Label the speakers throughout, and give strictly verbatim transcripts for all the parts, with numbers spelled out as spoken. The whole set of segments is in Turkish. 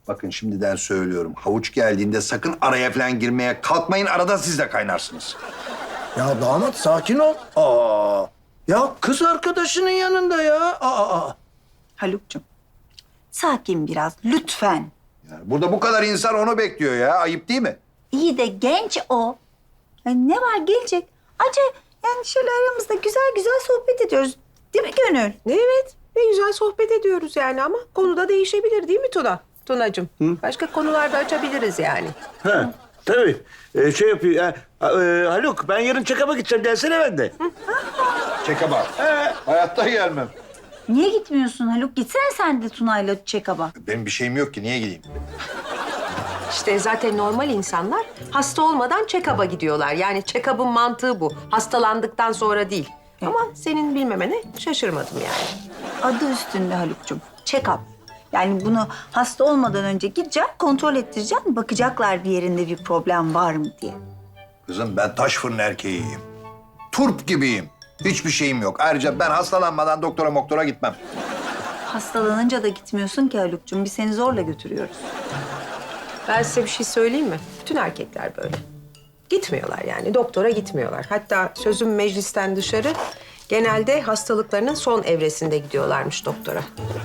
Speaker 1: Bakın şimdiden söylüyorum. Havuç geldiğinde sakın araya falan girmeye kalkmayın. Arada siz de kaynarsınız.
Speaker 2: Ya damat sakin ol. Aa. Ya kız arkadaşının yanında ya. Aa, aa.
Speaker 3: Haluk'cum, sakin biraz lütfen.
Speaker 1: Yani burada bu kadar insan onu bekliyor ya. Ayıp değil mi?
Speaker 3: İyi de genç o. Yani ne var gelecek? Acı yani şöyle aramızda güzel güzel sohbet ediyoruz. Değil mi Gönül?
Speaker 4: Evet, ne güzel sohbet ediyoruz yani ama konu da değişebilir değil mi Tuna? Tunacığım, başka konularda açabiliriz yani.
Speaker 5: Ha, tabii. Ee, şey yapıyor. ha, e, Haluk, ben yarın check-up'a gideceğim. Gelsene ben de.
Speaker 1: Çeke bak. Hayatta gelmem.
Speaker 3: Niye gitmiyorsun Haluk? Gitsene sen de Tuna'yla check-up'a.
Speaker 1: Benim bir şeyim yok ki. Niye gideyim?
Speaker 4: İşte zaten normal insanlar hasta olmadan check-up'a gidiyorlar. Yani check-up'ın mantığı bu. Hastalandıktan sonra değil. Ama senin bilmemene şaşırmadım yani.
Speaker 3: Adı üstünde Haluk'cum. Check-up. Yani bunu hasta olmadan önce gideceğim, kontrol ettireceğim. Bakacaklar bir yerinde bir problem var mı diye.
Speaker 1: Kızım ben taş fırın erkeğiyim. Turp gibiyim. Hiçbir şeyim yok. Ayrıca ben hastalanmadan doktora moktora gitmem.
Speaker 3: Hastalanınca da gitmiyorsun ki Haluk'cum. Biz seni zorla götürüyoruz.
Speaker 4: Ben size bir şey söyleyeyim mi? Bütün erkekler böyle. Gitmiyorlar yani, doktora gitmiyorlar. Hatta sözüm meclisten dışarı, genelde hastalıklarının son evresinde gidiyorlarmış doktora.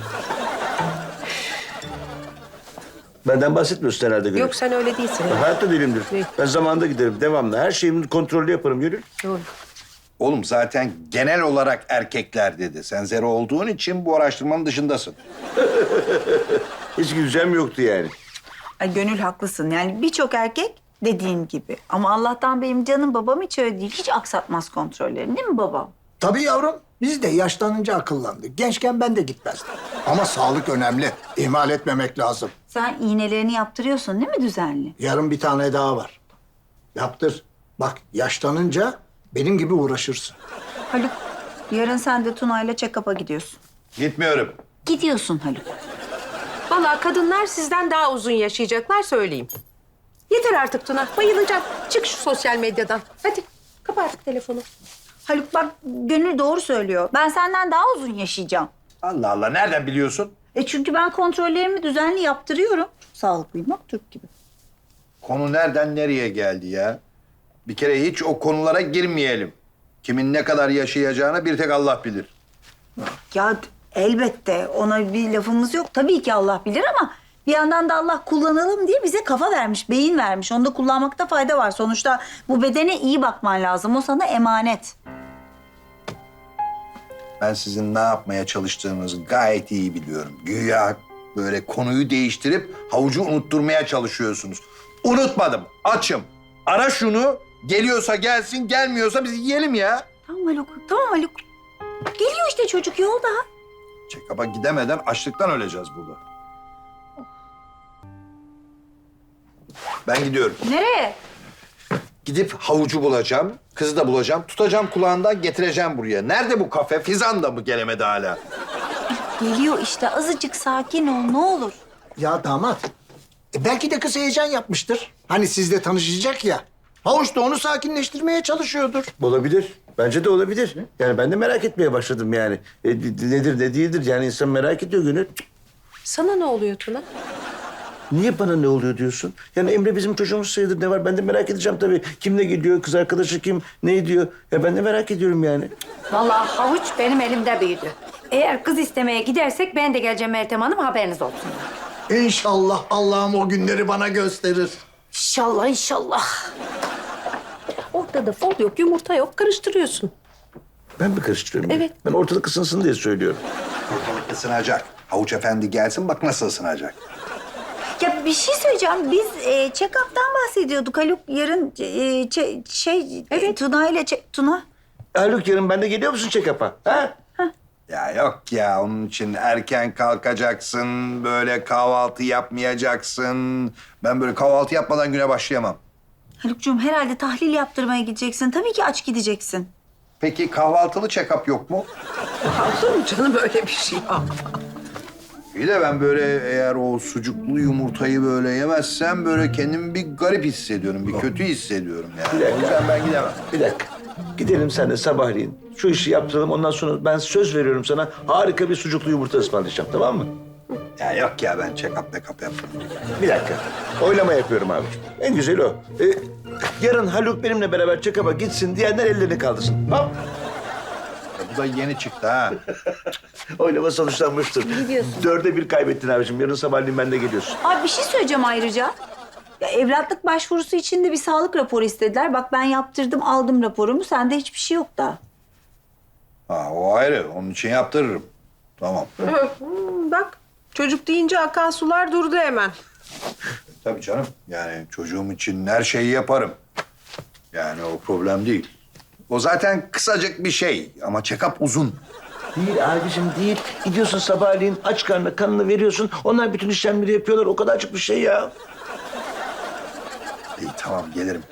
Speaker 5: Benden bahsetmiyorsun herhalde Gönül.
Speaker 4: Yok sen öyle değilsin.
Speaker 5: Ben hayatta değilimdir.
Speaker 4: Değil.
Speaker 5: Ben zamanında giderim, devamlı. Her şeyimi kontrollü yaparım Gönül.
Speaker 4: Doğru.
Speaker 1: Oğlum zaten genel olarak erkekler dedi. Sen zero olduğun için bu araştırmanın dışındasın.
Speaker 5: Hiç güleceğim yoktu yani.
Speaker 3: Ay Gönül haklısın. Yani birçok erkek dediğin gibi. Ama Allah'tan benim canım babam hiç öyle değil. Hiç aksatmaz kontrollerini değil mi babam?
Speaker 2: Tabii yavrum. Biz de yaşlanınca akıllandık. Gençken ben de gitmezdim. Ama sağlık önemli. İhmal etmemek lazım.
Speaker 3: Sen iğnelerini yaptırıyorsun değil mi düzenli?
Speaker 2: Yarın bir tane daha var. Yaptır. Bak yaşlanınca benim gibi uğraşırsın.
Speaker 3: Haluk, yarın sen de Tuna'yla check-up'a gidiyorsun.
Speaker 1: Gitmiyorum.
Speaker 3: Gidiyorsun Haluk.
Speaker 4: Vallahi kadınlar sizden daha uzun yaşayacaklar söyleyeyim. Yeter artık Tuna, bayılacağım. Çık şu sosyal medyadan. Hadi, kapa artık telefonu.
Speaker 3: Haluk bak Gönül doğru söylüyor. Ben senden daha uzun yaşayacağım.
Speaker 1: Allah Allah nereden biliyorsun?
Speaker 3: E çünkü ben kontrollerimi düzenli yaptırıyorum. Sağlıklıyım bak Türk gibi.
Speaker 1: Konu nereden nereye geldi ya? Bir kere hiç o konulara girmeyelim. Kimin ne kadar yaşayacağını bir tek Allah bilir.
Speaker 3: Ya elbette ona bir lafımız yok. Tabii ki Allah bilir ama bir yandan da Allah kullanalım diye bize kafa vermiş, beyin vermiş. Onu da kullanmakta fayda var. Sonuçta bu bedene iyi bakman lazım. O sana emanet.
Speaker 1: Ben sizin ne yapmaya çalıştığınızı gayet iyi biliyorum. Güya böyle konuyu değiştirip havucu unutturmaya çalışıyorsunuz. Unutmadım, açım. Ara şunu, geliyorsa gelsin, gelmiyorsa biz yiyelim ya.
Speaker 3: Tamam Haluk, tamam Haluk. Geliyor işte çocuk yolda.
Speaker 1: Check-up'a gidemeden açlıktan öleceğiz burada. Ben gidiyorum.
Speaker 3: Nereye?
Speaker 1: Gidip havucu bulacağım, kızı da bulacağım, tutacağım kulağından getireceğim buraya. Nerede bu kafe? Fizan da mı gelemedi hala?
Speaker 3: Geliyor işte. Azıcık sakin ol ne olur.
Speaker 2: Ya damat. e belki de kız heyecan yapmıştır. Hani sizle tanışacak ya. Havuç da onu sakinleştirmeye çalışıyordur.
Speaker 5: Olabilir. Bence de olabilir. Yani ben de merak etmeye başladım yani. E, nedir ne değildir yani insan merak ediyor Gönül.
Speaker 4: Sana ne oluyor Tuna?
Speaker 5: Niye bana ne oluyor diyorsun? Yani Emre bizim çocuğumuz sayılır ne var? Ben de merak edeceğim tabii. Kim ne gidiyor, kız arkadaşı kim, ne ediyor? Ya ben de merak ediyorum yani.
Speaker 6: Vallahi havuç benim elimde büyüdü. Eğer kız istemeye gidersek ben de geleceğim Meltem Hanım, haberiniz olsun.
Speaker 2: İnşallah Allah'ım o günleri bana gösterir.
Speaker 6: İnşallah inşallah.
Speaker 4: Ortada fol yok, yumurta yok, karıştırıyorsun.
Speaker 5: Ben mi karıştırıyorum? ya?
Speaker 4: Evet.
Speaker 5: Ben ortalık ısınsın diye söylüyorum.
Speaker 1: Ortalık ısınacak. Havuç efendi gelsin bak nasıl ısınacak.
Speaker 3: Ya bir şey söyleyeceğim. Biz e, check-up'tan bahsediyorduk. Haluk yarın e, çe- şey evet. Tuna ile çe- Tuna.
Speaker 5: Haluk yarın ben de geliyor musun check-up'a? Ha?
Speaker 1: Ya yok ya onun için erken kalkacaksın, böyle kahvaltı yapmayacaksın. Ben böyle kahvaltı yapmadan güne başlayamam.
Speaker 3: Haluk'cum herhalde tahlil yaptırmaya gideceksin. Tabii ki aç gideceksin.
Speaker 1: Peki kahvaltılı check-up yok mu?
Speaker 4: Olur mu canım öyle bir şey ya?
Speaker 1: İyi de ben böyle eğer o sucuklu yumurtayı böyle yemezsem böyle kendimi bir garip hissediyorum, bir kötü hissediyorum yani. O yüzden ben gidemem.
Speaker 5: Bir dakika. Gidelim seninle sabahleyin. Şu işi yaptıralım ondan sonra ben söz veriyorum sana harika bir sucuklu yumurta ısmarlayacağım tamam mı?
Speaker 1: Ya yok ya ben check-up make-up yapmıyorum.
Speaker 5: Bir dakika. Oylama yapıyorum abiciğim. En güzeli o. Ee, yarın Haluk benimle beraber check-up'a gitsin diyenler ellerini kaldırsın. Hop.
Speaker 1: Ya bu da yeni çıktı ha.
Speaker 5: Oylama sonuçlanmıştır. Dörde bir kaybettin abiciğim. Yarın sabahleyin ben de geliyorsun.
Speaker 3: Abi bir şey söyleyeceğim ayrıca. Ya evlatlık başvurusu için de bir sağlık raporu istediler. Bak ben yaptırdım, aldım raporumu. Sende hiçbir şey yok da.
Speaker 1: Ha o ayrı. Onun için yaptırırım. Tamam.
Speaker 4: Hmm, bak çocuk deyince akan sular durdu hemen.
Speaker 1: Tabii canım. Yani çocuğum için her şeyi yaparım. Yani o problem değil. O zaten kısacık bir şey ama check-up uzun.
Speaker 5: Değil abicim değil. Gidiyorsun sabahleyin aç karnına kanını veriyorsun. Onlar bütün işlemleri yapıyorlar. O kadarcık bir şey ya.
Speaker 1: İyi tamam gelirim.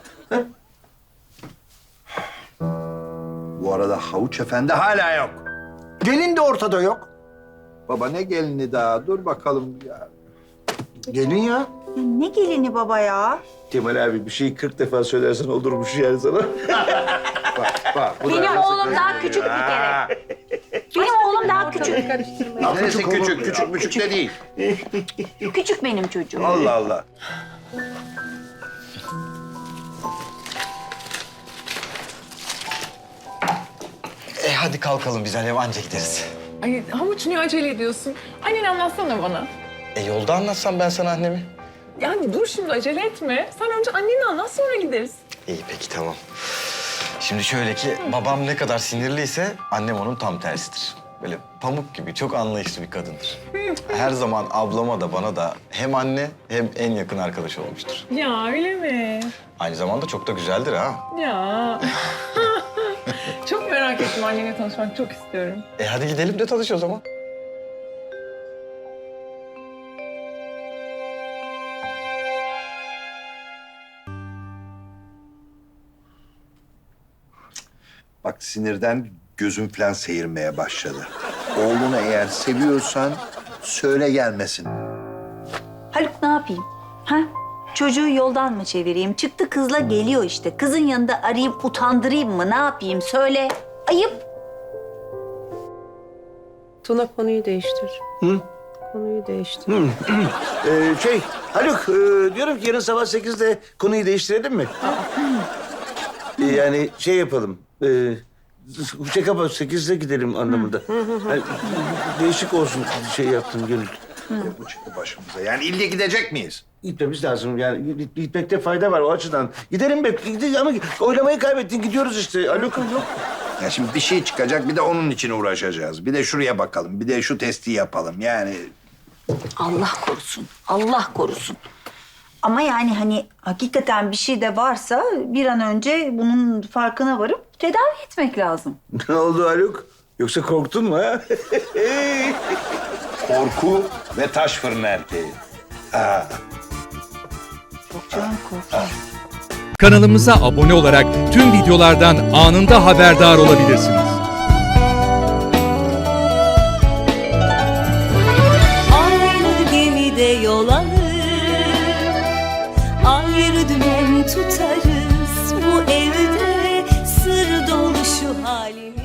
Speaker 1: Bu arada Havuç Efendi hala yok.
Speaker 2: Gelin de ortada yok.
Speaker 1: Baba ne gelini daha? Dur bakalım ya.
Speaker 2: Gelin ya.
Speaker 3: Ya ne gelini baba ya?
Speaker 5: Kemal abi bir şeyi kırk defa söylersen olurmuş yani sana.
Speaker 1: Bak bak. bu da
Speaker 3: Benim
Speaker 1: nasıl
Speaker 3: oğlum daha
Speaker 1: kızıyor
Speaker 3: küçük bir
Speaker 1: ya?
Speaker 3: kere. Benim oğlum daha küçük.
Speaker 1: Neresi küçük? Küçük küçük de değil.
Speaker 3: Küçük benim çocuğum.
Speaker 1: Allah Allah.
Speaker 7: E hadi kalkalım biz Alev anca gideriz.
Speaker 8: Ay Havuç niye acele ediyorsun? Anneni anlatsana bana.
Speaker 7: E yolda anlatsam ben sana annemi.
Speaker 8: Yani dur şimdi acele etme. Sen önce anneni anlat sonra gideriz.
Speaker 7: İyi peki tamam. Şimdi şöyle ki babam ne kadar sinirliyse annem onun tam tersidir. Böyle pamuk gibi çok anlayışlı bir kadındır. Her zaman ablama da bana da hem anne hem en yakın arkadaş olmuştur.
Speaker 8: Ya öyle mi?
Speaker 7: Aynı zamanda çok da güzeldir ha.
Speaker 8: Ya. Çok merak ettim annenle tanışmak çok istiyorum.
Speaker 7: E hadi gidelim de tanış o zaman.
Speaker 1: Bak sinirden gözüm falan seyirmeye başladı. Oğlunu eğer seviyorsan söyle gelmesin.
Speaker 3: Haluk ne yapayım? Ha? Çocuğu yoldan mı çevireyim? Çıktı kızla geliyor işte. Kızın yanında arayıp utandırayım mı? Ne yapayım? Söyle. Ayıp.
Speaker 4: Tuna konuyu değiştir.
Speaker 5: Hı?
Speaker 4: Konuyu değiştir.
Speaker 5: Ee, şey Haluk e, diyorum ki yarın sabah sekizde konuyu değiştirelim mi? Ee, yani şey yapalım. E, check-up'a sekizde gidelim anlamında. Yani, değişik olsun şey yaptım Gönül.
Speaker 1: Bu çıktı başımıza. Yani ille gidecek miyiz?
Speaker 5: Gitmemiz lazım yani git- gitmekte fayda var o açıdan. Gidelim be gidelim ama oylamayı kaybettin gidiyoruz işte Haluk. Haluk.
Speaker 1: Ya şimdi bir şey çıkacak bir de onun için uğraşacağız. Bir de şuraya bakalım. Bir de şu testi yapalım. Yani
Speaker 3: Allah korusun. Allah korusun. Ama yani hani hakikaten bir şey de varsa bir an önce bunun farkına varıp tedavi etmek lazım.
Speaker 5: Ne oldu Haluk? Yoksa korktun mu ha?
Speaker 1: korku ve taş fırın erkeği. Ha.
Speaker 3: Çok canım korktum.
Speaker 9: Kanalımıza abone olarak tüm videolardan anında haberdar olabilirsiniz.
Speaker 10: Aynı gemide yol alır, ayrı dümen tutarız. Bu evde sır dolu şu halimiz.